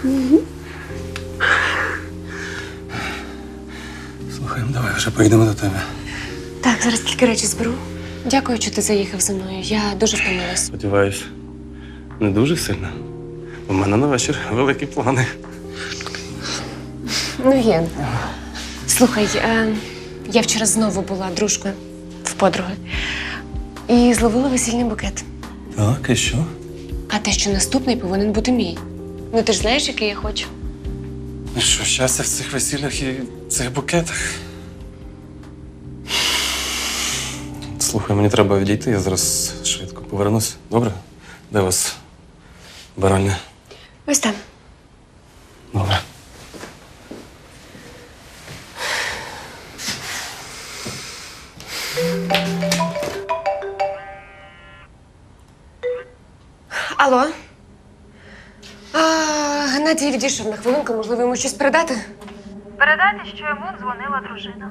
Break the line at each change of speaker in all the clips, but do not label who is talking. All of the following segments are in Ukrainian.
Слухай, давай вже поїдемо до тебе.
Так, зараз тільки речі зберу. Дякую, що ти заїхав зі мною. Я дуже втомилась.
Сподіваюсь, не дуже сильно. У мене на вечір великі плани.
Ну, Ген, слухай, я вчора знову була дружкою в подруги і зловила весільний букет.
Так, і що?
А те, що наступний повинен бути мій. Ну, ти ж знаєш, який я хочу.
Ну що, щастя в цих весіллях і цих букетах. Слухай, мені треба відійти, я зараз швидко повернусь. Добре? Де у вас баральня?
Ось там.
Добре.
Алло? Геннадій відійшов на хвилинку, можливо, йому щось передати?
Передайте, що йому дзвонила дружина.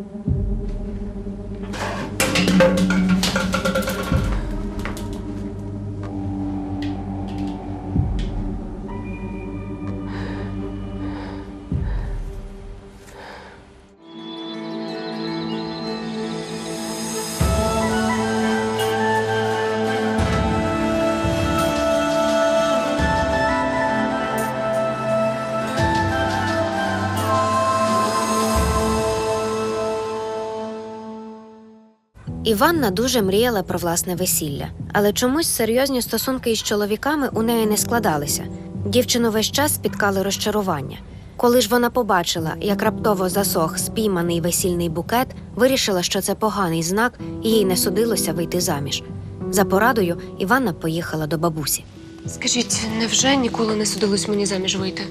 Іванна дуже мріяла про власне весілля, але чомусь серйозні стосунки із чоловіками у неї не складалися. Дівчину весь час спіткали розчарування. Коли ж вона побачила, як раптово засох спійманий весільний букет, вирішила, що це поганий знак, і їй не судилося вийти заміж. За порадою Іванна поїхала до бабусі.
Скажіть, невже ніколи не судилось мені заміж вийти?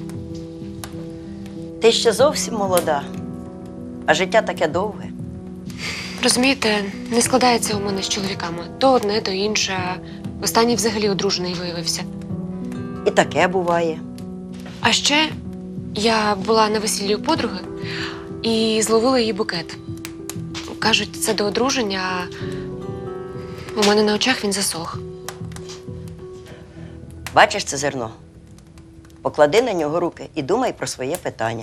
Ти ще зовсім молода, а життя таке довге.
Розумієте, не складається у мене з чоловіками. То одне, то інше. Останній взагалі одружений виявився.
І таке буває.
А ще я була на весіллі у подруги і зловила її букет. Кажуть, це до одруження, а у мене на очах він засох.
Бачиш це зерно? Поклади на нього руки і думай про своє питання.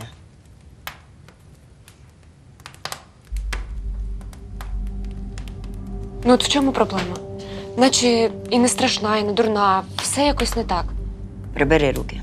Ну от в чому проблема? Наче і не страшна, і не дурна, все якось не так.
Прибери руки.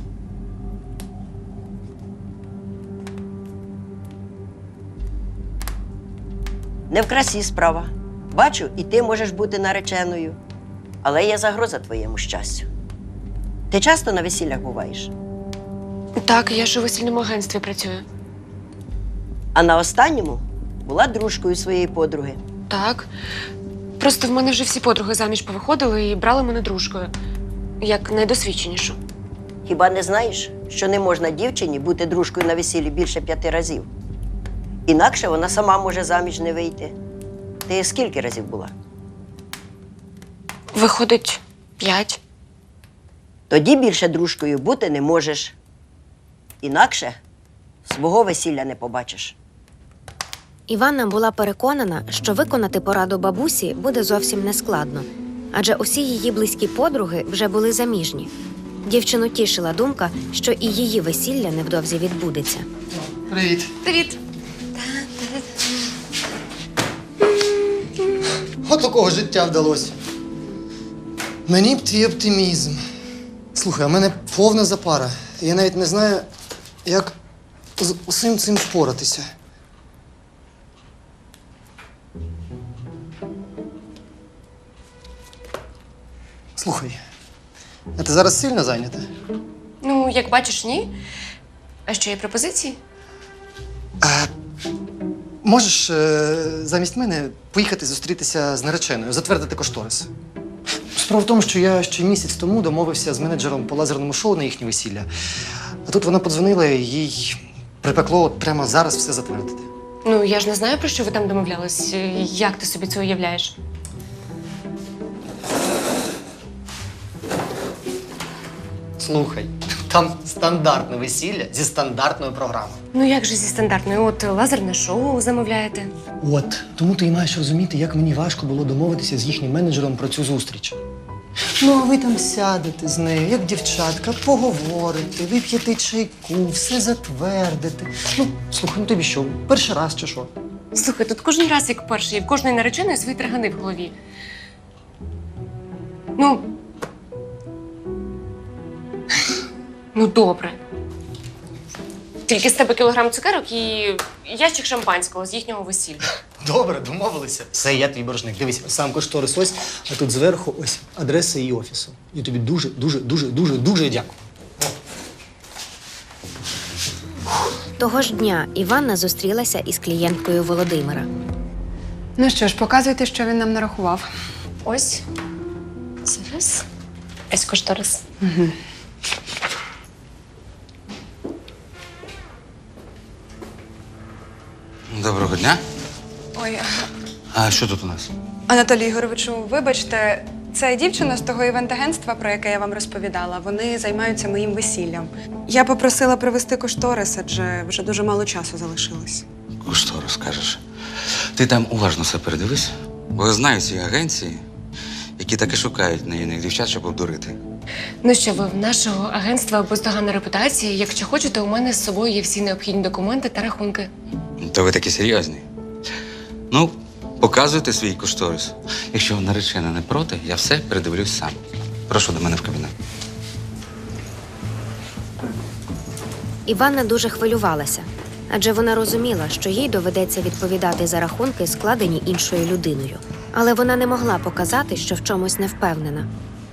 Не в красі справа. Бачу, і ти можеш бути нареченою. Але є загроза твоєму щастю. Ти часто на весіллях буваєш?
Так, я ж у весільному агентстві працюю.
А на останньому була дружкою своєї подруги.
Так. Просто в мене вже всі подруги заміж повиходили і брали мене дружкою, як найдосвідченішу.
Хіба не знаєш, що не можна дівчині бути дружкою на весіллі більше 5 разів? Інакше вона сама може заміж не вийти. Ти скільки разів була?
Виходить, 5.
Тоді більше дружкою бути не можеш. Інакше свого весілля не побачиш.
Іванна була переконана, що виконати пораду бабусі буде зовсім нескладно, адже усі її близькі подруги вже були заміжні. Дівчину тішила думка, що і її весілля невдовзі відбудеться.
Привіт.
Привіт.
От такого життя вдалося. Мені б твій оптимізм. Слухай, а в мене повна запара. Я навіть не знаю, як з усім цим впоратися. Слухай, а ти зараз сильно зайнята?
Ну, як бачиш, ні. А що, є пропозиції?
Можеш замість мене поїхати зустрітися з нареченою, затвердити кошторис. Справа в тому, що я ще місяць тому домовився з менеджером по лазерному шоу на їхнє весілля. А тут вона подзвонила, і їй припекло от прямо зараз все затвердити.
Ну, я ж не знаю, про що ви там домовлялись. Як ти собі це уявляєш?
Слухай, там стандартне весілля зі стандартною програмою.
Ну, як же зі стандартною? От лазерне шоу замовляєте.
От, тому ти і маєш розуміти, як мені важко було домовитися з їхнім менеджером про цю зустріч. Ну, а ви там сядете з нею, як дівчатка, поговорите, вип'єте чайку, все затвердите. Ну, слухай, ну тобі що, перший раз чи що?
Слухай, тут кожен раз як перший, і в кожної нареченої свої таргани в голові. Ну, добре. Тільки з тебе кілограм цукерок і ящик шампанського з їхнього весілля.
Добре, домовилися. Все, я твій боржник. Дивись, сам кошторис ось, а тут зверху ось адреса її офісу. Я тобі дуже дякую.
Того ж дня Іванна зустрілася із клієнткою Володимира.
Ну що ж, показуйте, що він нам нарахував.
Ось. Зараз. Ось кошторис.
Доброго дня.
Ой,
А що тут у нас?
Анатолій Ігоровичу, вибачте, це дівчина з того івент-агентства, про яке я вам розповідала. Вони займаються моїм весіллям. Я попросила привезти кошторис, адже вже дуже мало часу залишилось.
Що розкажеш? Ти там уважно все передивись, бо я знаю ці агенції, які таки шукають наївних дівчат, щоб обдурити.
Ну що ви, в нашого агентства бездоганна репутація. Якщо хочете, у мене з собою є всі необхідні документи та рахунки.
То ви такі серйозні. Ну, показуйте свій кошторис. Якщо наречена не проти, я все передивлюсь сам. Прошу до мене в кабінет.
Іванна дуже хвилювалася, адже вона розуміла, що їй доведеться відповідати за рахунки, складені іншою людиною. Але вона не могла показати, що в чомусь не впевнена.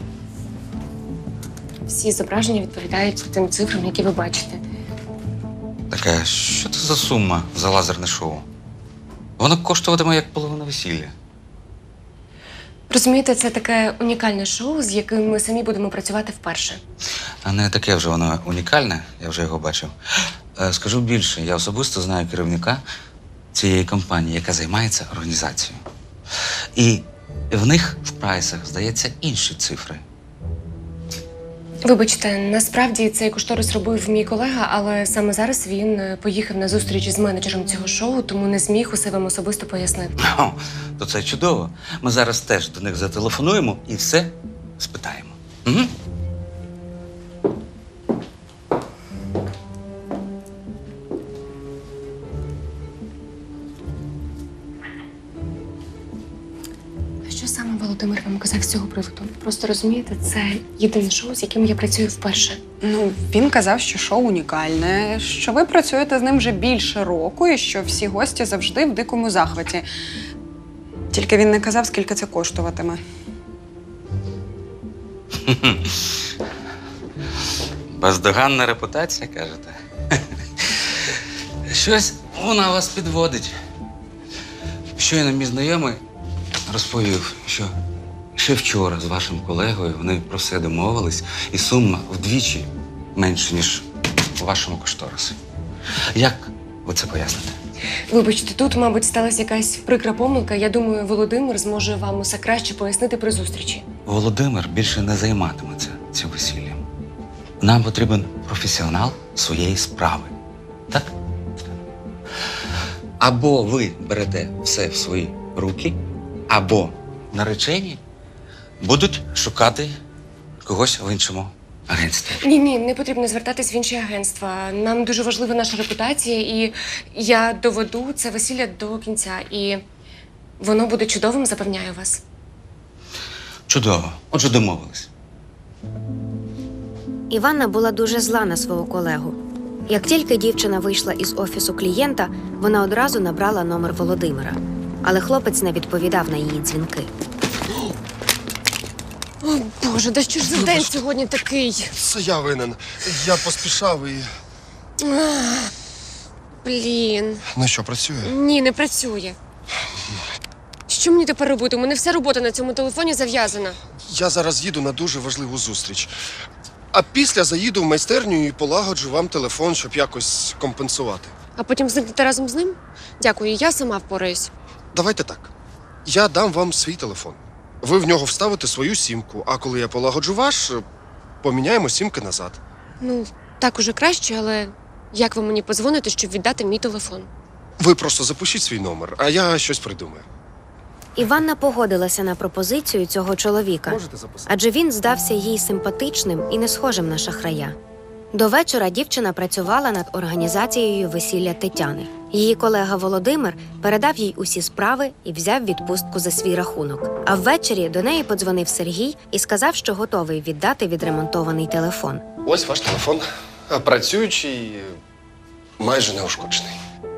Всі зображення відповідають тим цифрам, які ви бачите.
Така, що це за сума за лазерне шоу? Воно коштуватиме як половина весілля.
Розумієте, це таке унікальне шоу, з яким ми самі будемо працювати вперше.
А не таке вже воно унікальне, я вже його бачив. Скажу більше, я особисто знаю керівника цієї компанії, яка займається організацією. І в них в прайсах, здається, інші цифри.
Вибачте, насправді цей кошторис робив мій колега, але саме зараз він поїхав на зустріч з менеджером цього шоу, тому не зміг усе вам особисто пояснити.
О, то це чудово. Ми зараз теж до них зателефонуємо і все спитаємо. Угу.
А що саме Володимир вам казав з цього приводу? Просто розумієте, це єдине шоу, з яким я працюю вперше.
Ну, він казав, що шоу унікальне, що ви працюєте з ним вже більше року і що всі гості завжди в дикому захваті. Тільки він не казав, скільки це коштуватиме.
Бездоганна репутація, кажете? Щось вона вас підводить. Щойно мій знайомий розповів, що ще вчора з вашим колегою вони про все домовились, і сума вдвічі менше, ніж у вашому кошторисі. Як ви це поясните?
Вибачте, тут, мабуть, сталася якась прикра помилка. Я думаю, Володимир зможе вам усе краще пояснити при зустрічі.
Володимир більше не займатиметься цим весіллям. Нам потрібен професіонал своєї справи. Так? Або ви берете все в свої руки, або наречені будуть шукати когось в іншому агентстві.
Ні, не потрібно звертатись в інші агентства. Нам дуже важлива наша репутація, і я доведу це весілля до кінця. І воно буде чудовим, запевняю вас.
Чудово. Отже, домовились.
Іванна була дуже зла на свого колегу. Як тільки дівчина вийшла із офісу клієнта, вона одразу набрала номер Володимира. Але хлопець не відповідав на її дзвінки.
О, Боже, да що ж за день сьогодні такий?
Це я винен. Я поспішав і.
Блін.
Ну що, працює?
Ні, не працює. Що мені тепер робити? У мене вся робота на цьому телефоні зав'язана.
Я зараз їду на дуже важливу зустріч. А після заїду в майстерню і полагоджу вам телефон, щоб якось компенсувати.
А потім зникнете разом з ним? Дякую, я сама впораюсь.
Давайте так. Я дам вам свій телефон. Ви в нього вставите свою сімку, а коли я полагоджу ваш, поміняємо сімки назад.
Ну, так уже краще, але як ви мені подзвоните, щоб віддати мій телефон?
Ви просто запишіть свій номер, а я щось придумаю.
Іванна погодилася на пропозицію цього чоловіка,
Можете записати?
адже він здався їй симпатичним і не схожим на шахрая. До вечора дівчина працювала над організацією весілля Тетяни. Її колега Володимир передав їй усі справи і взяв відпустку за свій рахунок. А ввечері до неї подзвонив Сергій і сказав, що готовий віддати відремонтований телефон.
Ось ваш телефон. Працюючий, майже неушкоджений.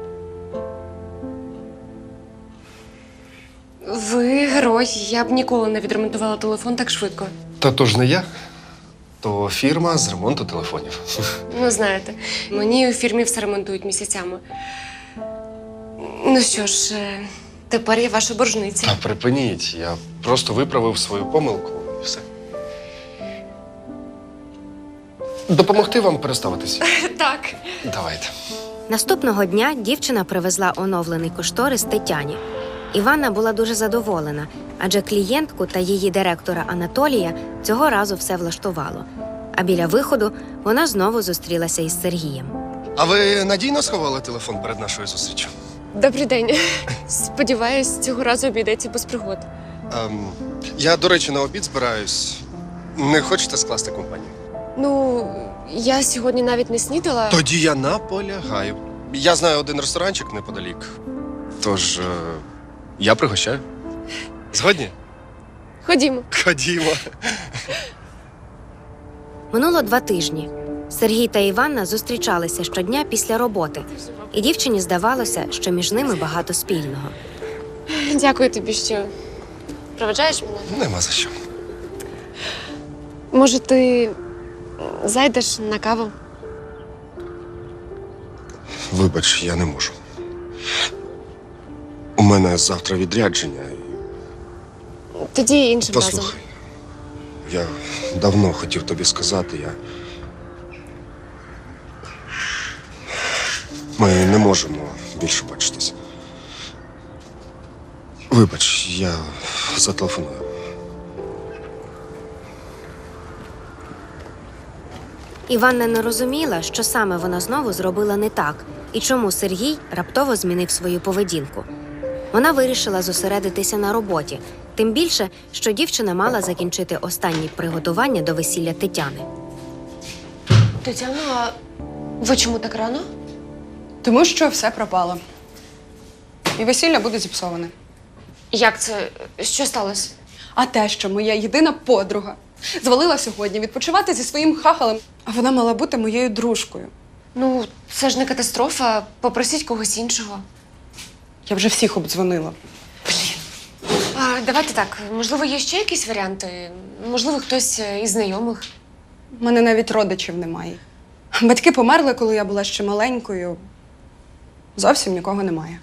Ви герой. Я б ніколи не відремонтувала телефон так швидко.
Та то ж не я, то фірма з ремонту телефонів.
Ну, знаєте, мені у фірмі все ремонтують місяцями. Ну що ж, тепер я ваша боржниця.
Та припиніть, я просто виправив свою помилку і все. Допомогти вам переставитись?
Так.
Давайте.
Наступного дня дівчина привезла оновлений кошторис Тетяні. Іванна була дуже задоволена, адже клієнтку та її директора Анатолія цього разу все влаштувало. А біля виходу вона знову зустрілася із Сергієм.
А ви надійно сховали телефон перед нашою зустрічю?
Добрий день. Сподіваюсь, цього разу обійдеться без пригод.
Я, до речі, на обід збираюсь. Не хочете скласти компанію?
Ну, я сьогодні навіть не снідала.
Тоді я наполягаю. Я знаю один ресторанчик неподалік. Тож я пригощаю. Згодні?
Ходімо.
Ходімо.
Минуло 2 тижні. Сергій та Іванна зустрічалися щодня після роботи, і дівчині здавалося, що між ними багато спільного.
Дякую тобі, що проведжаєш мене.
Нема за що.
Може, ти зайдеш на каву?
Вибач, я не можу. У мене завтра відрядження.
Тоді іншим разом.
Послухай, я давно хотів тобі сказати, Ми не можемо більше бачитись. Вибач, я зателефоную.
Іванна не розуміла, що саме вона знову зробила не так, і чому Сергій раптово змінив свою поведінку. Вона вирішила зосередитися на роботі, тим більше, що дівчина мала закінчити останні приготування до весілля Тетяни.
Тетяно, а ви чому так рано?
Тому що все пропало. І весілля буде зіпсоване.
Як це? Що сталося?
А те, що моя єдина подруга звалила сьогодні відпочивати зі своїм хахалем, а вона мала бути моєю дружкою.
Ну, це ж не катастрофа. Попросіть когось іншого.
Я вже всіх обдзвонила.
Давайте так, можливо, є ще якісь варіанти? Можливо, хтось із знайомих?
У мене навіть родичів немає. Батьки померли, коли я була ще маленькою. Зовсім нікого немає.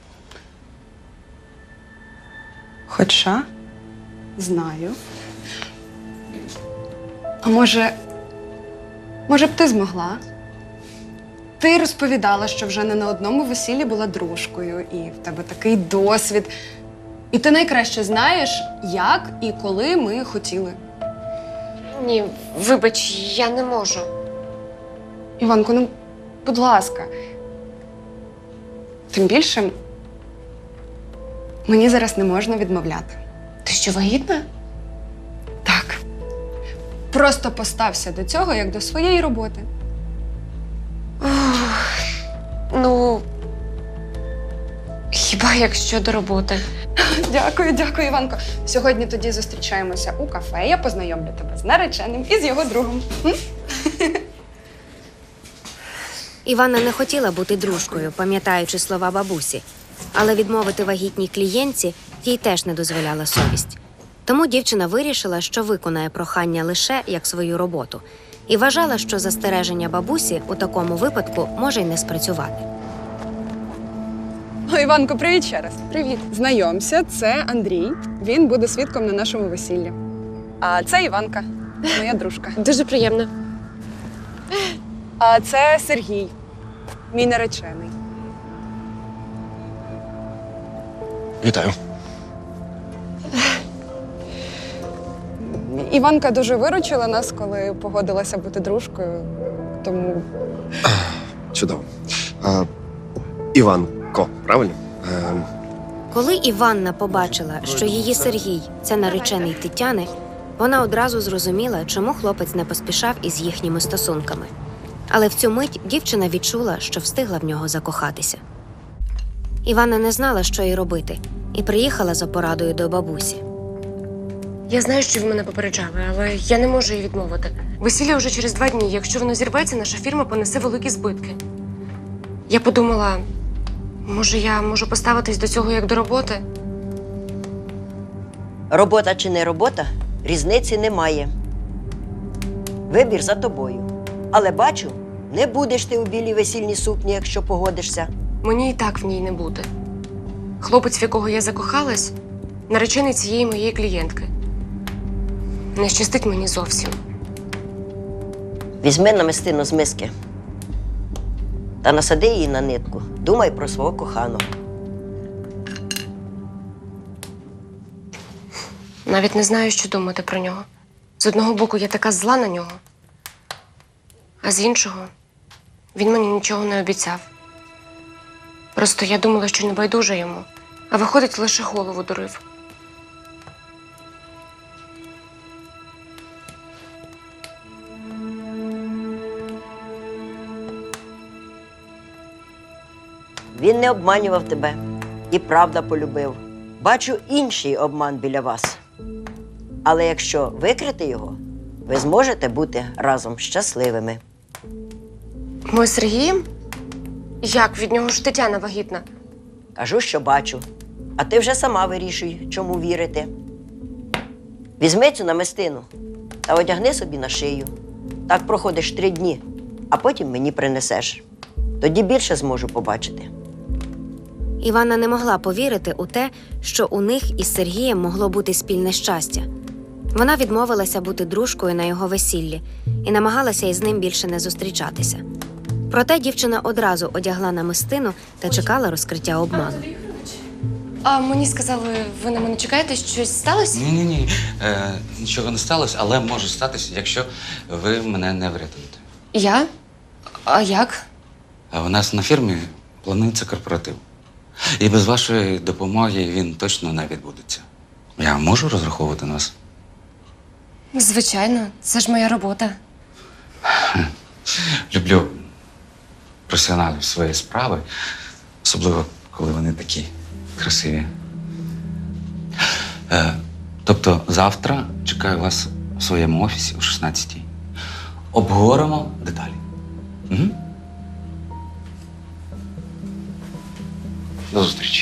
Хоча знаю. А може б ти змогла? Ти розповідала, що вже не на одному весіллі була дружкою, і в тебе такий досвід. І ти найкраще знаєш, як і коли ми хотіли.
Ні, вибач, я не можу.
Іванко, ну, будь ласка. Тим більше, мені зараз не можна відмовляти.
Ти що, вагітна?
Так. Просто постався до цього, як до своєї роботи.
Ну, хіба як щодо роботи?
Дякую, Іванко. Сьогодні тоді зустрічаємося у кафе. Я познайомлю тебе з нареченим і з його другом.
Іванна не хотіла бути дружкою, пам'ятаючи слова бабусі, але відмовити вагітній клієнтці їй теж не дозволяла совість. Тому дівчина вирішила, що виконає прохання лише як свою роботу, і вважала, що застереження бабусі у такому випадку може й не спрацювати.
О, Іванко, привіт ще раз.
Привіт.
Знайомся, це Андрій. Він буде свідком на нашому весіллі. А це Іванка, моя дружка.
Дуже приємно.
А це Сергій, мій наречений.
Вітаю.
Іванка дуже виручила нас, коли погодилася бути дружкою, тому
Чудово. Іванко, правильно?
Коли Іванна побачила, що її Сергій – це наречений Тетяни, вона одразу зрозуміла, чому хлопець не поспішав із їхніми стосунками. Але в цю мить дівчина відчула, що встигла в нього закохатися. Іванна не знала, що їй робити, і приїхала за порадою до бабусі.
Я знаю, що ви мене попереджали, але я не можу їй відмовити. Весілля вже через 2 дні. Якщо воно зірветься, наша фірма понесе великі збитки. Я подумала, може, я можу поставитись до цього як до роботи?
Робота чи не робота, різниці немає. Вибір за тобою. Але бачу, не будеш ти у білій весільній сукні, якщо погодишся.
Мені і так в ній не буде. Хлопець, в якого я закохалась, наречений цієї моєї клієнтки. Не щастить мені зовсім.
Візьми намистину з миски та насади її на нитку. Думай про свого коханого.
Навіть не знаю, що думати про нього. З одного боку, я така зла на нього, а з іншого, він мені нічого не обіцяв. Просто я думала, що не байдужа йому, а виходить, лише голову дурив.
Він не обманював тебе і правда полюбив. Бачу інший обман біля вас. Але якщо викрити його, ви зможете бути разом щасливими.
Ми з Сергієм? Як? Від нього ж Тетяна вагітна.
Кажу, що бачу. А ти вже сама вирішуй, чому вірити. Візьми цю намистину та одягни собі на шию. Так проходиш 3 дні, а потім мені принесеш. Тоді більше зможу побачити.
Іванна не могла повірити у те, що у них із Сергієм могло бути спільне щастя. Вона відмовилася бути дружкою на його весіллі і намагалася із ним більше не зустрічатися. Проте дівчина одразу одягла намистину та чекала розкриття обману.
А мені сказали, ви на мене чекаєте? Щось сталося?
Ні. Нічого не сталося, але може статися, якщо ви мене не врятуєте.
Я? А як?
А у нас на фірмі планується корпоратив. І без вашої допомоги він точно не відбудеться. Я можу розраховувати на вас?
Звичайно, це ж моя робота.
Люблю професіоналів своєї справи, особливо, коли вони такі красиві. Тобто завтра чекаю вас в своєму офісі о 16-й. Обговоримо деталі. Угу. До зустрічі.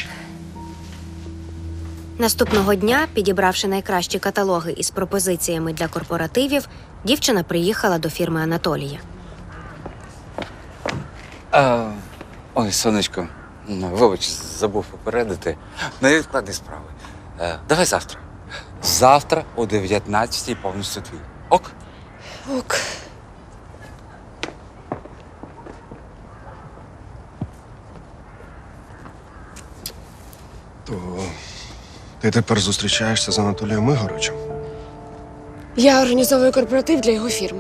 Наступного дня, підібравши найкращі каталоги із пропозиціями для корпоративів, дівчина приїхала до фірми Анатолія.
Ой, сонечко, вибач, забув попередити. Невідкладні справи. Давай завтра. Завтра о 19-й повністю твій. Ок?
Ок.
То ти тепер зустрічаєшся з Анатолієм Ігоровичем?
Я організовую корпоратив для його фірми.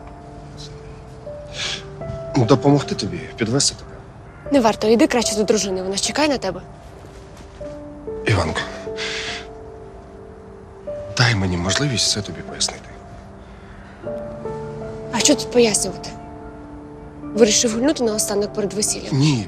Допомогти тобі, підвести тебе.
Не варто, йди краще до дружини, вона ж чекає на тебе.
Іванко, дай мені можливість все тобі пояснити.
А що тут пояснювати? Вирішив гульнути наостанок перед весіллям.
Ні.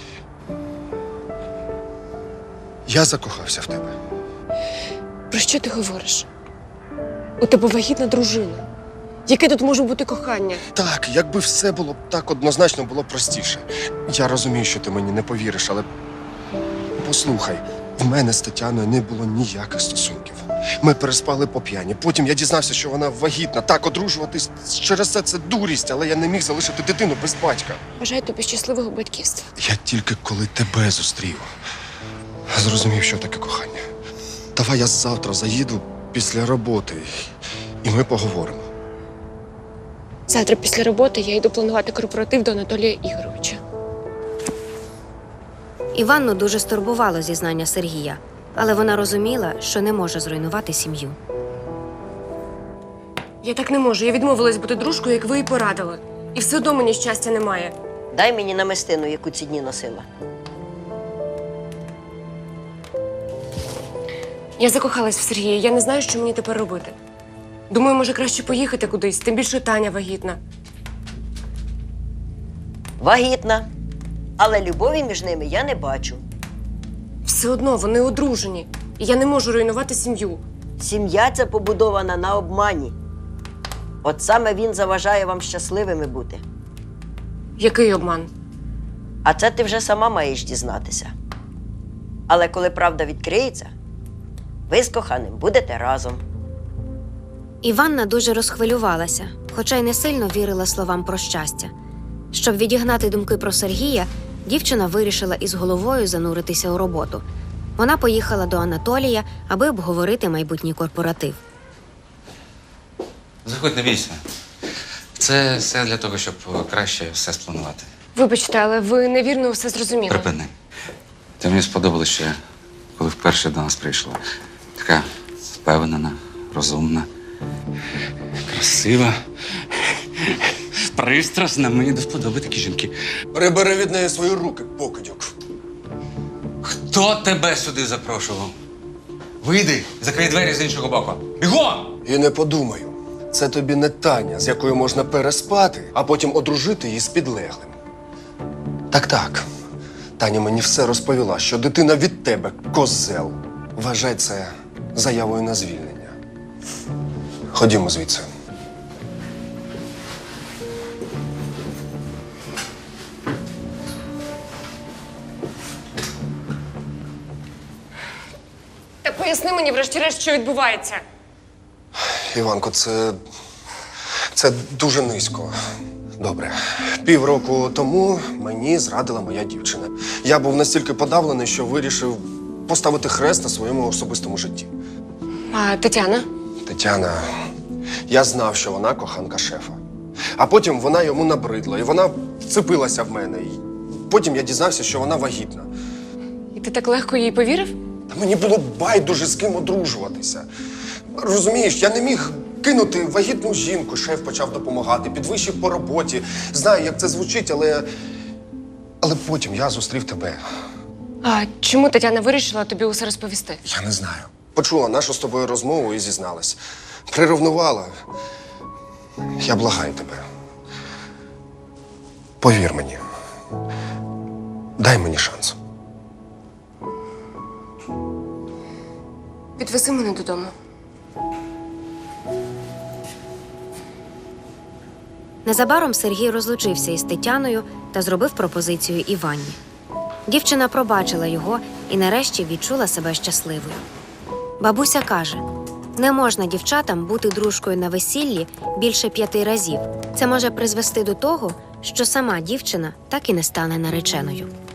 Я закохався в тебе.
Про що ти говориш? У тебе вагітна дружина. Яке тут може бути кохання?
Так, якби все було б так однозначно, було б простіше. Я розумію, що ти мені не повіриш, але послухай, в мене з Тетяною не було ніяких стосунків. Ми переспали по п'яні. Потім я дізнався, що вона вагітна. Так, одружуватись через це дурість, але я не міг залишити дитину без батька.
Бажаю тобі щасливого батьківства.
Я тільки коли тебе зустрів, зрозумів, що таке кохання. Давай я завтра заїду після роботи, і ми поговоримо.
Завтра після роботи я йду планувати корпоратив до Анатолія Ігоровича.
Іванну дуже стурбувало зізнання Сергія, але вона розуміла, що не може зруйнувати сім'ю.
Я так не можу. Я відмовилась бути дружкою, як ви і порадили. І все одно мені щастя немає.
Дай мені намистину, яку ці дні носила.
Я закохалась в Сергія, я не знаю, що мені тепер робити. Думаю, може краще поїхати кудись, тим більше Таня вагітна.
Вагітна. Але любові між ними я не бачу.
Все одно вони одружені, і я не можу руйнувати сім'ю.
Сім'я ця побудована на обмані. От саме він заважає вам щасливими бути.
Який обман?
А це ти вже сама маєш дізнатися. Але коли правда відкриється, ви з коханим будете разом.
Іванна дуже розхвилювалася, хоча й не сильно вірила словам про щастя. Щоб відігнати думки про Сергія, дівчина вирішила із головою зануритися у роботу. Вона поїхала до Анатолія, аби обговорити майбутній корпоратив.
Заходь, не бійся. Це все для того, щоб краще все спланувати.
Вибачте, але ви невірно все зрозуміли.
Припини. Ти мені сподобалось ще, коли вперше до нас прийшла. Така впевнена, розумна, красива, пристрасна. Мені до вподоби такі жінки.
Прибери від неї свої руки, покидьок.
Хто тебе сюди запрошував? Вийди, закрий двері з іншого боку. Бігом!
І не подумаю. Це тобі не Таня, з якою можна переспати, а потім одружити її з підлеглим. Так. Таня мені все розповіла, що дитина від тебе козел. Вважай це заявою на звільнення. Ходімо звідси.
Та поясни мені, врешті-решт, що відбувається.
Іванко, це дуже низько. Добре. Півроку тому мені зрадила моя дівчина. Я був настільки подавлений, що вирішив поставити хрест на своєму особистому житті.
А Тетяна?
Тетяна, я знав, що вона коханка шефа. А потім вона йому набридла, і вона вцепилася в мене. І потім я дізнався, що вона вагітна.
І ти так легко їй повірив?
Та мені було байдуже з ким одружуватися. Розумієш, я не міг кинути вагітну жінку. Шеф почав допомагати, підвищив по роботі. Знаю, як це звучить, але потім я зустрів тебе.
А чому Тетяна вирішила тобі усе розповісти?
Я не знаю. Почула нашу з тобою розмову і зізналась. Приревнувала. Я благаю тебе. Повір мені. Дай мені шанс.
Підвези мене додому.
Незабаром Сергій розлучився із Тетяною та зробив пропозицію Іванні. Дівчина пробачила його і нарешті відчула себе щасливою. Бабуся каже, не можна дівчатам бути дружкою на весіллі більше 5 разів. Це може призвести до того, що сама дівчина так і не стане нареченою.